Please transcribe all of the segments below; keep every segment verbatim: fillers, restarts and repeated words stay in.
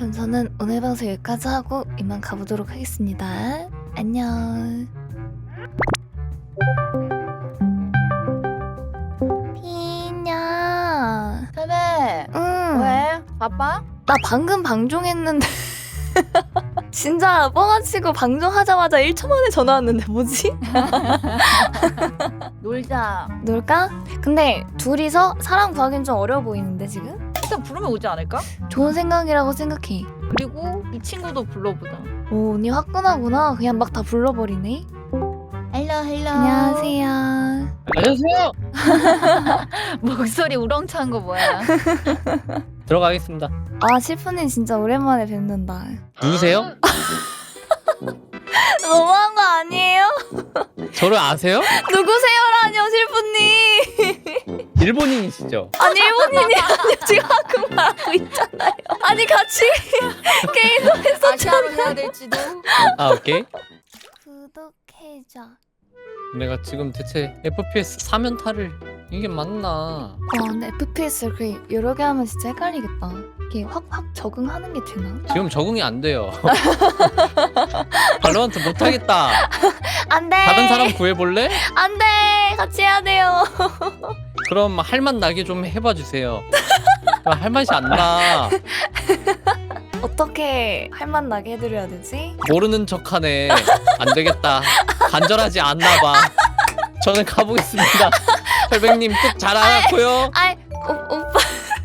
그럼 저는 오늘 방송 여기까지 하고 이만 가보도록 하겠습니다. 안녕. 피냐. 세배. 응. 왜? 바빠? 나 방금 방종했는데. 진짜 뻥아치고 방종하자마자 일 초 만에 전화 왔는데 뭐지? 놀자. 놀까? 근데 둘이서 사람 구하기는 좀 어려워 보이는데 지금? 일단 부르면 오지 않을까? 좋은 생각이라고 생각해. 그리고 이 친구도 불러보자. 오, 언니 화끈하구나. 그냥 막 다 불러버리네. 헬로 헬로. 안녕하세요. 안녕하세요. 목소리 우렁찬 거 뭐야? 들어가겠습니다. 아, 실프님 진짜 오랜만에 뵙는다. 누구세요? 너무한 거 아니에요? 저를 아세요? 누구세요라뇨, 실프님. 일본인이시죠? 아니, 일본인이 아니요. 지금 한국말하고 있잖아요. 아니, 같이 게임도 아시아로 했었잖아. 해야 될지도. 아 오케이. 구독해줘. 내가 지금 대체 에프피에스 사면타를 이게 맞나? 와, 근데 에프피에스를 그 여러 개 하면 진짜 헷갈리겠다. 이게 확확 적응하는 게 되나? 지금 적응이 안 돼요. 발로한테 못하겠다. 안 돼. 다른 사람 구해볼래? 안 돼. 같이 해야 돼요. 그럼 할맛 나게 좀 해봐 주세요. 할 맛이 안 나. 어떻게 할맛 나게 해드려야 되지? 모르는 척하네. 안 되겠다. 간절하지 않나 봐. 저는 가보겠습니다. 설백님 뜻 잘 알았고요. 아이, 오, 오빠.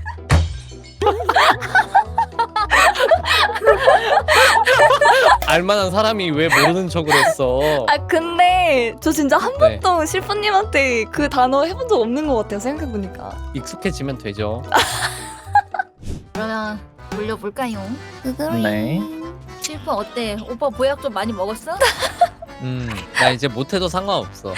알만한 사람이 왜 모르는 척을 했어? 아, 근데 저 진짜 한 네. 번도 실프님한테 그 단어 해본 적 없는 것 같아요. 생각해보니까. 익숙해지면 되죠. 그러면 돌려볼까요? 네. 실프 어때? 오빠 보약 좀 많이 먹었어? 음, 나 이제 못해도 상관없어.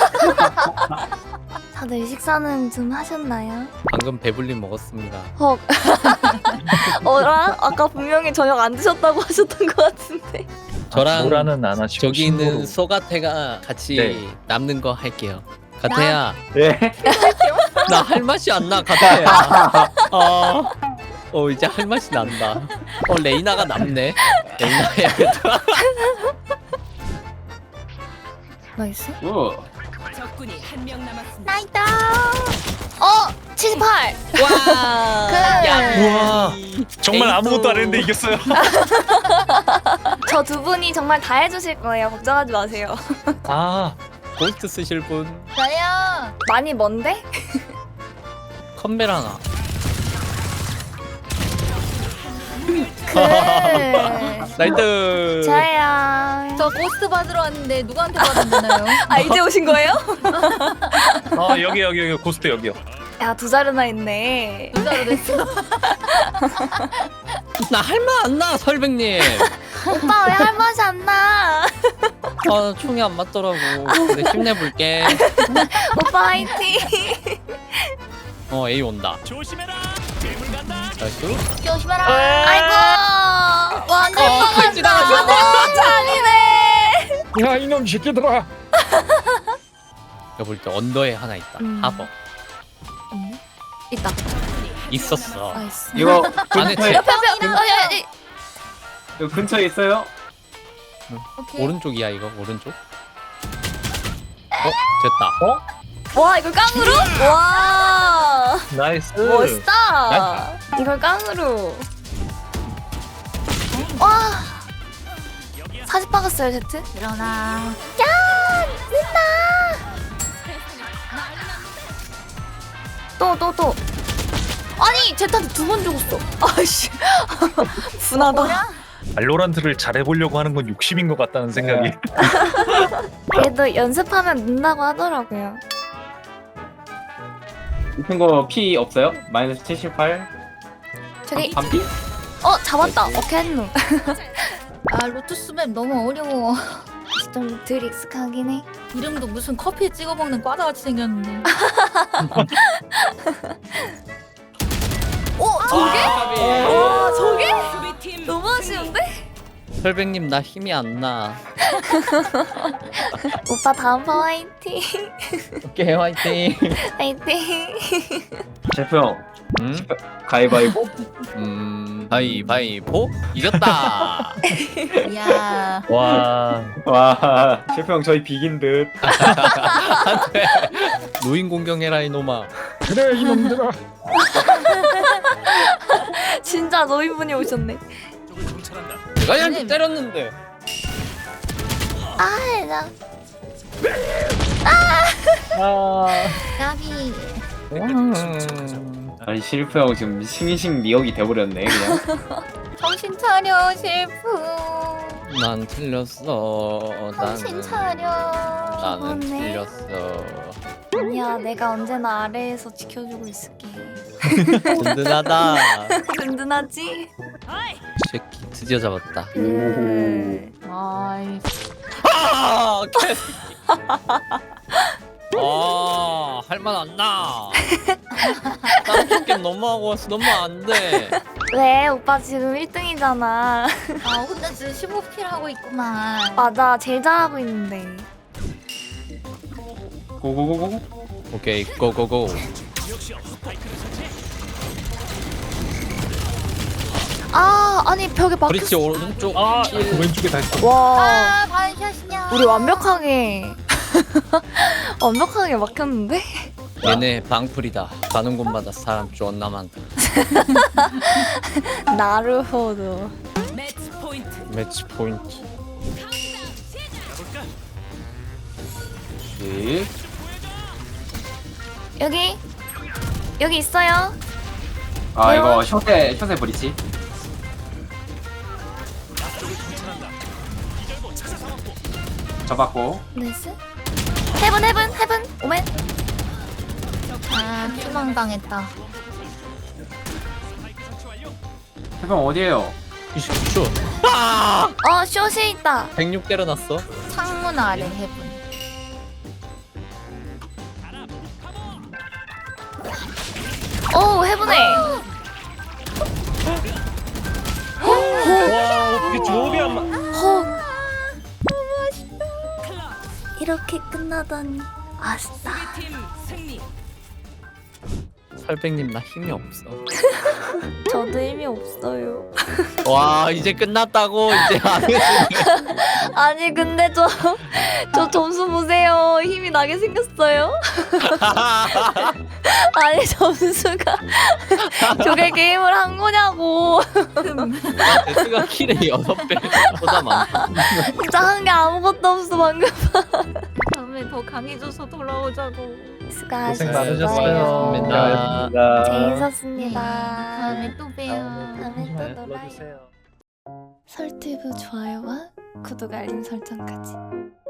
다들 식사는 좀 하셨나요? 방금 배불리 먹었습니다. 헉. 어라? 아까 분명히 저녁 안 드셨다고 하셨던 것 같은데. 저랑 뭐라는 안 하시고 저기 있는 신고로. 소가태가 같이 네. 남는 거 할게요. 가태야, 예. 나 할 맛이 안 나, 가태야. 어, 어 이제 할 맛이 난다. 어 레이나가 남네. 레이나 해야겠다. 나이스? 적군이 한 명 남았습니다. 나이다. 어! 칠십팔! 와. 그- 야, 우와. 정말 에이또. 아무것도 안 했는데 이겼어요. 저 두 분이 정말 다 해주실 거예요. 걱정하지 마세요. 아, 고스트 쓰실 분 저요. 많이 먼데? 컴벨 하나. 그... 나이트. 저요. 저 고스트 받으러 왔는데 누구한테 받으면 되나요? 아, 이제 오신 거예요? 아 여기 여기 여기 고스트 여기요. 야, 두 자루나 있네. 부자로 됐어. 나 할 맛 안 나, 설백님. 오빠 왜 할 맛이 안 나? 아 총이 안 맞더라고. 근데 힘내볼게. 오빠 화이팅! 어 A 온다. 조심해라. 괴물 간다. 나이스. 조심해라. 아이고! 완전 어, 칼 뻔한다. 지나갔어. 내 차리네. 야 이놈 새끼들아. 내가 볼 때 언더에 하나 있다. 음. 하버. 없네? 있다. 있었어. 나이스. 이거 안에 근처에 옆에 옆에. 어, 야, 야, 야. 이거 근처에 있어요? 오케이. 오른쪽이야 이거 오른쪽. 어 됐다. 와, 이걸 깡으로? 와, 나이스. 멋있다. 이걸 깡으로. 와, 사십 박았어요, 제트. 일어나. 또, 또, 또. 아니, 제트한테 두 번 죽었어. 아이씨. 분하다. 발로란트를 잘해보려고 하는 건 욕심인 것 같다는 생각이. 그래도 연습하면 는다고 하더라고요. 이 친구 피 없어요? 마이너스 칠십팔? 저기, 반피? 어, 잡았다. 오케이, 했노. 아 로투스 맵 너무 어려워. 좀 덜 익숙하긴 해. 이름도 무슨 커피에 찍어 먹는 과자 같이 생겼는데. 오, 저게? 아, 와, 저게? 수비팀 너무 아쉬운데? 설백님 나 힘이 안 나. 오빠 다음 판 화이팅. 오케이 화이팅. 화이팅. 셰프 형 음? 가위바위보? 음 가위바위보 이겼다. 이야. 와. 와 실패형 저희 비긴 듯. 안돼. 노인 공경해라 이놈아. 그래 이놈들아. 진짜 노인분이 오셨네. 내가 얘한테 선생님. 때렸는데. 아, 나 아. 까비. 아니 실패형 지금 싱싱 미역이 돼버렸네 그냥. 정신 차려 실프. 난 틀렸어. 정신 나는 차려. 나는 그렇네. 틀렸어. 아니야, 내가 언제나 아래에서 지켜주고 있을게. 든든하다. 든든하지? 이 새끼 드디어 잡았다. 그... 아이. 아, 개. 아, 할만 안 나. 다른 게임 너무 하고 왔어. 너무 안 돼. 왜? 오빠 지금 일 등이잖아. 아 혼자 지금 십오 킬 하고 있구만. 맞아, 제일 잘하고 있는데. 고고고고. 오케이, 고고고. 아, 아니 벽에 막혔어. 브릿지 오른쪽. 아 왼쪽에 다 있어. 와, 아 반샷이냐. 우리 완벽하게 완벽하게 막혔는데? 얘네 방풀이다. 가는 곳마다 사람 존나 많다. 나루호도. 매치 포인트. 매치 포인트. 가볼까? 네. 여기 여기 있어요. 아 왜요? 이거 숏에 숏에 브리치. 잡았고. 나이스. 헤븐 헤븐 헤븐 오멘. 아 피망당했다. 해병 어디에요? 이십 초. 아! 어, 숏에 있다. 백육 때려놨어. 창문 아래 해분. 오, 헤븐에. 와, 어떻게 조합이 안 맞. 헉. 이렇게 끝나다니 아싸. 팀 승리. 설백님 나 힘이 없어. 저도 힘이 없어요. 와, 이제 끝났다고 이제 안 해. 아니 근데 저 저 점수 보세요. 힘이 나게 생겼어요. 아니 점수가 저게 게임을 한 거냐고. 데스가 킬에 여섯 배보다 많다. 진짜 한 게 아무것도 없어 방금. 다음에 더 강해져서 돌아오자고. 수고하셨어요. 많으셨어요. 고맙습니다. 재밌었습니다. 다음에 또 봬요. 다음에 또 놀아요. 설티브 좋아요와 구독 알림 설정까지.